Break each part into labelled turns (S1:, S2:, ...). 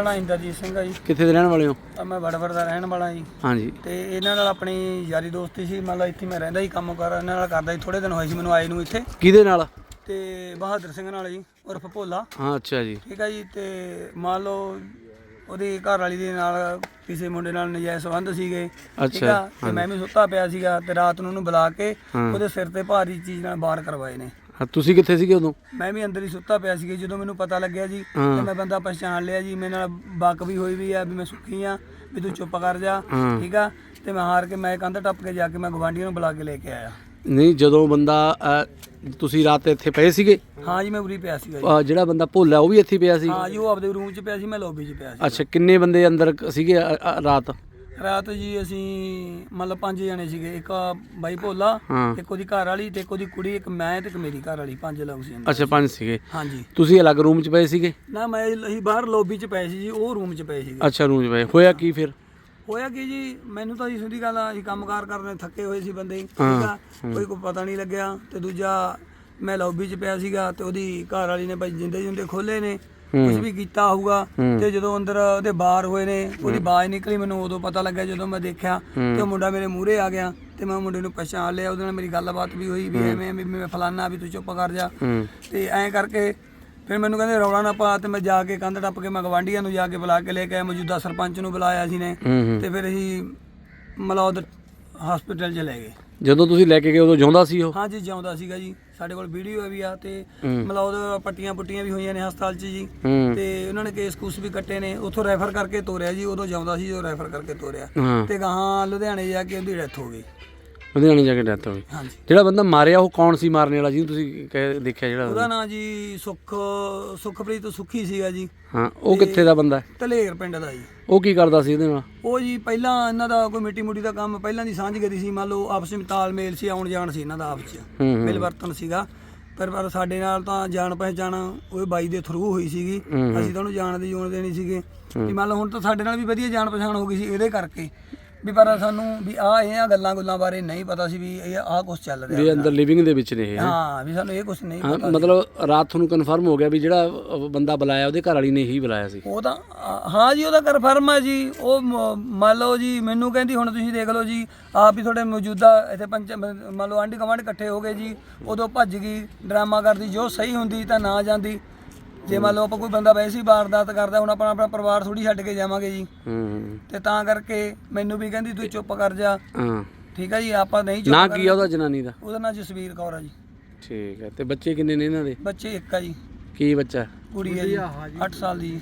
S1: ਨਾਂ ਇੰਦਰਜੀਤ ਸਿੰਘ ਆ ਜੀ।
S2: ਕਿੱਥੇ ਦੇ ਰਹਿਣ ਵਾਲੇ ਹੋ?
S1: ਮੈਂ ਵੜਵੜ ਦਾ ਰਹਿਣ ਵਾਲਾ ਜੀ।
S2: ਹਾਂਜੀ।
S1: ਤੇ ਇਹਨਾਂ ਨਾਲ ਆਪਣੀ ਯਾਰੀ ਦੋਸਤੀ ਸੀ, ਮਤਲਬ ਇੱਥੇ ਮੈਂ ਰਹਿੰਦਾ ਸੀ, ਕੰਮ ਕਾਰ ਇਹਨਾਂ ਨਾਲ ਕਰਦਾ ਸੀ। ਥੋੜੇ ਦਿਨ ਹੋਏ ਸੀ ਮੈਨੂੰ ਆਏ ਨੂੰ ਇੱਥੇ।
S2: ਕਿਹਦੇ ਨਾਲ?
S1: ਤੇ ਬਹਾਦਰ ਸਿੰਘ ਨਾਲ ਜੀ, ਉਰਫ ਭੋਲਾ।
S2: ਹਾਂ ਅੱਛਾ ਜੀ।
S1: ਠੀਕ ਆ ਜੀ। ਤੇ ਮੰਨ ਲਓ ਉਹਦੀ ਘਰ ਵਾਲੀ ਦੇ ਨਾਲ ਕਿਸੇ ਮੁੰਡੇ ਨਾਲ ਨਜਾਇਜ਼ ਸੰਬੰਧ ਸੀਗੇ। ਠੀਕ ਆ। ਤੇ ਮੈਂ ਵੀ ਸੁੱਤਾ ਪਿਆ ਸੀਗਾ ਤੇ ਰਾਤ ਨੂੰ ਉਹਨੂੰ ਬੁਲਾ ਕੇ ਉਹਦੇ ਸਿਰ ਤੇ ਭਾਰੀ ਚੀਜ਼ ਨਾਲ ਵਾਰ ਕਰਵਾਏ ਨੇ।
S2: ਤੁਸੀਂ ਕਿੱਥੇ ਸੀਗੇ ਉਦੋਂ? ਮੈਂ
S1: ਵੀ ਅੰਦਰ ਹੀ ਸੁੱਤਾ ਪਿਆ ਸੀਗਾ। ਜਦੋਂ ਮੈਨੂੰ ਪਤਾ ਲੱਗਿਆ ਜੀ ਤੇ ਮੈਂ ਬੰਦਾ ਪਛਾਣ ਲਿਆ ਜੀ। ਮੇਰੇ ਨਾਲ ਬੱਕ ਵੀ ਹੋਈ ਵੀ ਆ ਵੀ ਮੈਂ ਸੁੱਖੀ ਆ, ਵੀ ਤੂੰ ਚੁੱਪ ਕਰ ਜਾ। ਠੀਕ ਆ। ਤੇ ਮੈਂ ਹਾਰ ਕੇ ਮੈਂ ਕੰਧ ਟੱਪ ਕੇ ਜਾ ਕੇ ਮੈਂ ਗਵਾਂਢੀਆਂ ਨੂੰ ਬੁਲਾ ਕੇ ਲੈ ਕੇ ਆਇਆ।
S2: ਨਹੀਂ, ਜਦੋਂ ਬੰਦਾ ਤੁਸੀਂ ਰਾਤ ਇੱਥੇ ਪਏ ਸੀਗੇ?
S1: ਹਾਂ ਜੀ, ਮੈਂ ਉਰੀ ਪਿਆ ਸੀਗਾ ਜੀ।
S2: ਜਿਹੜਾ ਬੰਦਾ ਭੋਲਾ ਉਹ ਵੀ ਇੱਥੇ ਪਿਆ ਸੀ?
S1: ਹਾਂ ਜੀ, ਉਹ ਆਪਦੇ ਰੂਮ 'ਚ ਪਿਆ ਸੀ, ਮੈਂ ਲੌਬੀ 'ਚ ਪਿਆ ਸੀ।
S2: ਅੱਛਾ, ਕਿੰਨੇ ਬੰਦੇ ਅੰਦਰ ਸੀਗੇ ਰਾਤ?
S1: ਰਾਤ ਜੀ ਅਸੀਂ ਮਤਲਬ 5 ਜਣੇ ਸੀਗੇ। ਇੱਕ ਬਾਈ ਭੋਲਾ, ਇੱਕ ਉਹਦੀ ਘਰ ਵਾਲੀ ਤੇ ਇੱਕ ਉਹਦੀ ਕੁੜੀ, ਇੱਕ ਮੈਂ ਤੇ ਇੱਕ ਮੇਰੀ ਘਰ ਵਾਲੀ। 5 ਲੋਕ ਸੀ।
S2: ਅੱਛਾ, 5 ਸੀਗੇ।
S1: ਹਾਂਜੀ।
S2: ਤੁਸੀਂ ਅਲੱਗ ਰੂਮ 'ਚ ਪਏ ਸੀਗੇ?
S1: ਨਾ, ਅਸੀਂ ਬਾਹਰ ਲੌਬੀ 'ਚ ਪਏ ਸੀ ਜੀ, ਉਹ ਰੂਮ 'ਚ ਪਏ ਸੀਗੇ।
S2: ਅੱਛਾ, ਰੂਮ 'ਚ ਪਏ। ਹੋਇਆ ਕੀ ਫਿਰ?
S1: ਹੋਇਆ ਕੀ ਜੀ, ਮੈਨੂੰ ਤਾਂ ਜੀ ਸਿੱਧੀ ਗੱਲ ਆ, ਅਸੀਂ ਕੰਮਕਾਰ ਕਰਨੇ ਥੱਕੇ ਹੋਏ ਸੀ ਬੰਦੇ। ਠੀਕ ਆ। ਕੋਈ ਪਤਾ ਨਹੀਂ ਲੱਗਿਆ। ਤੇ ਦੂਜਾ ਮੈਂ ਲੌਬੀ 'ਚ ਪਿਆ ਸੀਗਾ ਤੇ ਉਹਦੀ ਘਰ ਵਾਲੀ ਨੇ ਭਾਈ ਜਿੰਦੇ ਖੋਲੇ ਨੇ, ਕੁਝ ਵੀ ਕੀਤਾ ਹੋਊਗਾ। ਤੇ ਜਦੋਂ ਅੰਦਰ ਉਹਦੇ ਬਾਹਰ ਹੋਏ ਨੇ, ਉਹਦੀ ਆਵਾਜ਼ ਨਿਕਲੀ, ਮੈਨੂੰ ਉਦੋਂ ਪਤਾ ਲੱਗਿਆ ਜਦੋਂ ਮੈਂ ਦੇਖਿਆ ਤੇ ਉਹ ਮੁੰਡਾ ਮੇਰੇ ਮੂਹਰੇ ਆ ਗਿਆ ਤੇ ਮੈਂ ਮੁੰਡੇ ਨੂੰ ਪਛਾਣ ਲਿਆ। ਉਹਦੇ ਨਾਲ ਮੇਰੀ ਗੱਲਬਾਤ ਵੀ ਹੋਈ ਵੀ ਐਵੇਂ ਵੀ ਮੈਂ ਫਲਾਨਾ, ਵੀ ਤੂੰ ਚੁੱਪ ਕਰ ਜਾ। ਤੇ ਐਂ ਕਰਕੇ ਫਿਰ ਮੈਨੂੰ ਕਹਿੰਦੇ ਰੌਲਾ ਨਾ ਪਾ। ਤੇ ਮੈਂ ਜਾ ਕੇ ਕੰਧ ਟੱਪ ਕੇ ਮੈਂ ਗਵਾਂਢੀਆਂ ਨੂੰ ਜਾ ਕੇ ਬੁਲਾ ਕੇ ਲੈ ਕੇ ਆਇਆ। ਮੌਜੂਦਾ ਸਰਪੰਚ ਨੂੰ ਬੁਲਾਇਆ ਸੀ ਨੇ। ਤੇ ਫਿਰ ਅਸੀਂ ਮਲੌਦ ਹਸਪੀਟਲ 'ਚ ਲੈ ਗਏ।
S2: ਜਦੋਂ ਤੁਸੀਂ ਲੈ ਕੇ ਗਏ ਉਦੋਂ ਜਿਉਂਦਾ ਸੀ ਉਹ?
S1: ਹਾਂਜੀ, ਜਿਉਂਦਾ ਸੀਗਾ ਜੀ। ਸਾਡੇ ਕੋਲ ਵੀਡੀਓ ਵੀ ਆ ਤੇ ਮਲੌਦ ਪੱਟੀਆਂ ਪੁੱਟੀਆਂ ਵੀ ਹੋਈਆਂ ਨੇ ਹਸਪਤਾਲ 'ਚ ਜੀ। ਤੇ ਉਹਨਾਂ ਨੇ ਕੇਸ ਕੂਸ ਵੀ ਕੱਟੇ ਨੇ। ਉੱਥੋਂ ਰੈਫਰ ਕਰਕੇ ਤੋਰਿਆ ਜੀ। ਉਦੋਂ ਜਿਉਂਦਾ ਸੀ, ਜੋ ਰੈਫਰ ਕਰਕੇ ਤੋਰਿਆ। ਤੇ ਗਾਹਾਂ ਲੁਧਿਆਣੇ ਜਾ ਕੇ ਉਹਦੀ ਡੈਥ ਹੋ ਗਈ।
S2: ਲੁਧਿਆਣੇ ਜਾ ਕੇ ਡੈਥ ਹੋ ਗਈ।
S1: ਹਾਂਜੀ।
S2: ਜਿਹੜਾ ਬੰਦਾ ਮਾਰਿਆ ਉਹ ਕੌਣ ਸੀ ਮਾਰਨੇ ਵਾਲਾ, ਜਿਹਨੂੰ ਤੁਸੀਂ ਦੇਖਿਆ? ਜਿਹੜਾ
S1: ਉਹਦਾ ਨਾਂ ਜੀ ਸੁਖਪ੍ਰੀਤ ਸੁੱਖੀ ਸੀਗਾ ਜੀ।
S2: ਹਾਂ, ਉਹ ਕਿੱਥੇ ਦਾ ਬੰਦਾ?
S1: ਧਲੇਰ ਪਿੰਡ ਦਾ ਜੀ।
S2: ਉਹ ਕੀ ਕਰਦਾ ਸੀ ਇਹਦੇ ਨਾਲ?
S1: ਉਹ ਜੀ ਪਹਿਲਾਂ ਇਹਨਾਂ ਦਾ ਕੋਈ ਮਿੱਟੀ ਮੁੱਟੀ ਦਾ ਕੰਮ ਪਹਿਲਾਂ ਦੀ ਸਾਂਝਗਰੀ ਸੀ। ਮੰਨ ਲਓ ਆਪਸ ਵਿੱਚ ਤਾਲਮੇਲ ਸੀ, ਆਉਣ ਜਾਣ ਸੀ ਇਹਨਾਂ ਦਾ ਆਪਸ 'ਚ, ਮਿਲਵਰਤਨ ਸੀਗਾ। ਪਰ ਸਾਡੇ ਨਾਲ ਤਾਂ ਜਾਣ ਪਹਿਚਾਣ ਉਹ ਬਾਈ ਦੇ ਥਰੂ ਹੋਈ ਸੀਗੀ। ਅਸੀਂ ਤਾਂ ਉਹਨੂੰ ਜਾਣਦੇ ਜੂਣਦੇ ਨਹੀਂ ਸੀਗੇ ਵੀ ਮੰਨ ਲਓ। ਹੁਣ ਤਾਂ ਸਾਡੇ ਨਾਲ ਵੀ ਵਧੀਆ ਜਾਣ ਪਛਾਣ ਹੋ ਗਈ ਸੀ ਇਹਦੇ ਕਰਕੇ ਵੀ। ਪਰ ਸਾਨੂੰ ਵੀ ਇਹ ਗੱਲਾਂ ਗੁੱਲਾਂ ਬਾਰੇ ਨਹੀਂ ਪਤਾ ਸੀ ਵੀ ਇਹ ਕੁਛ ਚੱਲ ਰਿਹਾ
S2: ਵੀ ਅੰਦਰ ਲਿਵਿੰਗ ਦੇ ਵਿੱਚ ਨੇ।
S1: ਹਾਂ, ਵੀ ਸਾਨੂੰ ਇਹ ਕੁਛ ਨਹੀਂ ਪਤਾ।
S2: ਮਤਲਬ ਰਾਤ ਤੁਹਾਨੂੰ ਕਨਫਰਮ ਹੋ ਗਿਆ ਵੀ ਜਿਹੜਾ ਬੰਦਾ ਬੁਲਾਇਆ ਉਹਦੇ ਘਰ ਵਾਲੀ ਨੇ ਹੀ ਬੁਲਾਇਆ ਸੀ? ਉਹ
S1: ਤਾਂ ਹਾਂ ਜੀ, ਉਹਦਾ ਕਨਫਰਮ ਹੈ ਜੀ। ਉਹ ਮੰਨ ਲਓ ਜੀ ਮੈਨੂੰ ਕਹਿੰਦੀ ਹੁਣ ਤੁਸੀਂ ਦੇਖ ਲਓ ਜੀ ਆਪ ਹੀ ਤੁਹਾਡੇ ਮੌਜੂਦਾ ਇੱਥੇ ਮੰਨ ਲਓ ਆਂਢੀ ਗੁਆਂਢ ਇਕੱਠੇ ਹੋ ਗਏ ਜੀ। ਉਦੋਂ ਭੱਜ ਗਈ, ਡਰਾਮਾ ਕਰਦੀ। ਜੋ ਸਹੀ ਹੁੰਦੀ ਤਾਂ ਨਾ ਜਾਂਦੀ। ਜੇ ਮੰਨ ਲਓ ਆਪਾਂ ਕੋਈ ਬੰਦਾ ਵੈਸੇ ਹੀ ਵਾਰਦਾਤ ਕਰਦਾ, ਹੁਣ ਆਪਣਾ ਪਰਿਵਾਰ ਥੋੜੀ ਛੱਡ ਕੇ ਜਾਵਾਂਗੇ ਜੀ। ਤੇ ਤਾਂ ਕਰਕੇ ਮੈਨੂੰ ਵੀ ਕਹਿੰਦੀ ਤੂੰ ਚੁੱਪ ਕਰ ਜਾ। ਠੀਕ ਆ ਜੀ। ਆਪਾਂ ਨਹੀਂ ਚੁੱਪ।
S2: ਨਾ ਕੀ ਆ ਉਹਦਾ ਜਨਾਨੀ ਦਾ?
S1: ਉਹਦਾ ਨਾਂ ਜਸਵੀਰ ਕੌਰ ਆ ਜੀ।
S2: ਠੀਕ ਹੈ। ਤੇ ਬੱਚੇ ਕਿੰਨੇ ਨੇ ਇਹਨਾਂ ਦੇ?
S1: ਬੱਚੇ ਇੱਕ ਆ ਜੀ।
S2: ਕੀ ਬੱਚਾ?
S1: ਕੁੜੀ ਹੈ ਜੀ, 8 ਸਾਲ ਦੀ।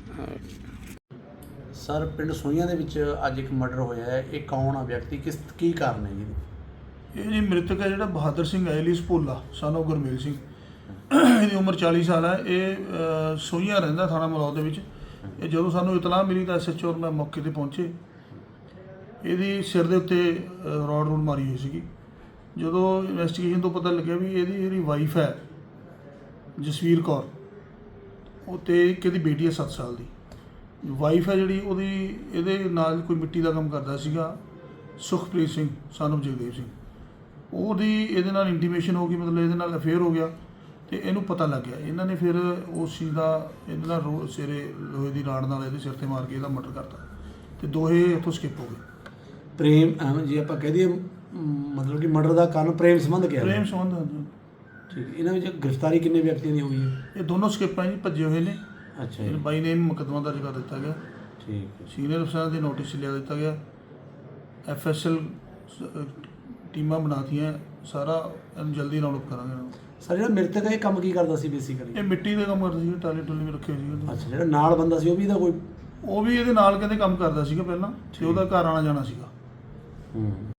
S2: ਸਰ, ਪਿੰਡ ਸੋਈਆਂ ਦੇ ਵਿੱਚ ਅੱਜ ਇੱਕ ਮਰਡਰ ਹੋਇਆ ਹੈ। ਇਹ ਕੌਣ ਆ ਵਿਅਕਤੀ, ਕੀ ਕਾਰਨ ਹੈ ਜੀ?
S3: ਇਹ ਜੀ ਮ੍ਰਿਤਕ ਹੈ ਜਿਹੜਾ ਬਹਾਦਰ ਸਿੰਘ ਐਲੀਸ ਭੋਲਾ, ਸਾਨੂੰ ਗੁਰਮੇਲ ਸਿੰਘ। ਇਹਦੀ ਉਮਰ 40 ਸਾਲ ਹੈ। ਇਹ ਸੋਈਆਂ ਰਹਿੰਦਾ, ਥਾਣਾ ਮਲੌਦ ਦੇ ਵਿੱਚ। ਇਹ ਜਦੋਂ ਸਾਨੂੰ ਇਤਲਾਹ ਮਿਲੀ ਤਾਂ SHO ਔਰ ਮੈਂ ਮੌਕੇ 'ਤੇ ਪਹੁੰਚੇ। ਇਹਦੀ ਸਿਰ ਦੇ ਉੱਤੇ ਰੋਡ ਮਾਰੀ ਹੋਈ ਸੀਗੀ। ਜਦੋਂ ਇਨਵੈਸਟੀਗੇਸ਼ਨ ਤੋਂ ਪਤਾ ਲੱਗਿਆ ਵੀ ਇਹਦੀ ਜਿਹੜੀ ਵਾਈਫ ਹੈ ਜਸਵੀਰ ਕੌਰ, ਉਹ ਤੇ ਇਹਦੀ ਬੇਟੀ ਹੈ 7 ਸਾਲ ਦੀ। ਵਾਈਫ ਹੈ ਜਿਹੜੀ ਉਹਦੀ ਇਹਦੇ ਨਾਲ ਕੋਈ ਮਿੱਟੀ ਦਾ ਕੰਮ ਕਰਦਾ ਸੀਗਾ, ਸੁਖਪ੍ਰੀਤ ਸਿੰਘ ਸਾਨੂੰ ਜਗਦੇਵ ਸਿੰਘ। ਉਹਦੀ ਇਹਦੇ ਨਾਲ ਇੰਟੀਮੇਸ਼ਨ ਹੋ ਗਈ, ਮਤਲਬ ਇਹਦੇ ਨਾਲ ਅਫੇਅਰ ਹੋ ਗਿਆ। ਤੇ ਇਹਨੂੰ ਪਤਾ ਲੱਗ ਗਿਆ। ਇਹਨਾਂ ਨੇ ਫਿਰ ਉਸ ਚੀਜ਼ ਦਾ ਇਹਦੇ ਨਾਲ ਸਿਰੇ ਲੋਹੇ ਦੀ ਰਾੜ ਨਾਲ ਇਹਦੇ ਸਿਰ 'ਤੇ ਮਾਰ ਕੇ ਇਹਦਾ ਮਰਡਰ ਕਰਤਾ। ਤੇ ਦੋਹੇ ਇੱਥੋਂ ਸਕਿਪ ਹੋ ਗਏ।
S2: ਪ੍ਰੇਮ ਜੀ ਆਪਾਂ ਕਹਿ ਦਈਏ, ਮਤਲਬ ਕਿ ਮਰਡਰ ਦਾ ਕਾਰਨ ਪ੍ਰੇਮ ਸੰਬੰਧ ਕਿਹਾ?
S3: ਪ੍ਰੇਮ ਸੰਬੰਧ।
S2: ਠੀਕ। ਇਹਨਾਂ ਵਿੱਚ ਗ੍ਰਿਫਤਾਰੀ ਕਿੰਨੇ ਵਿਅਕਤੀਆਂ ਦੀ ਹੋਈ ਹੈ?
S3: ਇਹ ਦੋਨੋਂ ਸਕਿਪ ਹੈ ਜੀ, ਭੱਜੇ ਹੋਏ ਨੇ।
S2: ਅੱਛਾ।
S3: ਬਾਈ ਨੇ ਮੁਕੱਦਮਾ ਦਰਜ ਕਰ ਦਿੱਤਾ ਗਿਆ।
S2: ਠੀਕ।
S3: ਸੀਨੀਅਰ ਅਫਸਰਾਂ ਦੇ ਨੋਟਿਸ ਲਿਆ ਦਿੱਤਾ ਗਿਆ। FSL ਟੀਮਾਂ ਬਣਾਤੀਆਂ। ਸਾਰਾ ਇਹਨੂੰ ਜਲਦੀ ਰਾਉਂਡ ਅਪ ਕਰਾਂਗੇ।
S2: ਸਰ, ਜਿਹੜਾ ਮ੍ਰਿਤਕ ਹੈ ਇਹ ਕੰਮ ਕੀ ਕਰਦਾ ਸੀ ਬੇਸਿਕਲੀ?
S3: ਇਹ ਮਿੱਟੀ ਦੇ ਕੰਮ ਕਰਦਾ ਸੀ, ਟਾਲੀ ਟੁਲੀ ਵੀ ਰੱਖੇ ਸੀ।
S2: ਅੱਛਾ। ਜਿਹੜਾ ਨਾਲ ਬੰਦਾ ਸੀ ਉਹ ਵੀ ਇਹਦਾ ਕੋਈ?
S3: ਉਹ ਵੀ ਇਹਦੇ ਨਾਲ ਕਹਿੰਦੇ ਕੰਮ ਕਰਦਾ ਸੀਗਾ ਪਹਿਲਾਂ, ਤੇ ਉਹਦਾ ਘਰ ਆਉਣਾ ਜਾਣਾ ਸੀਗਾ।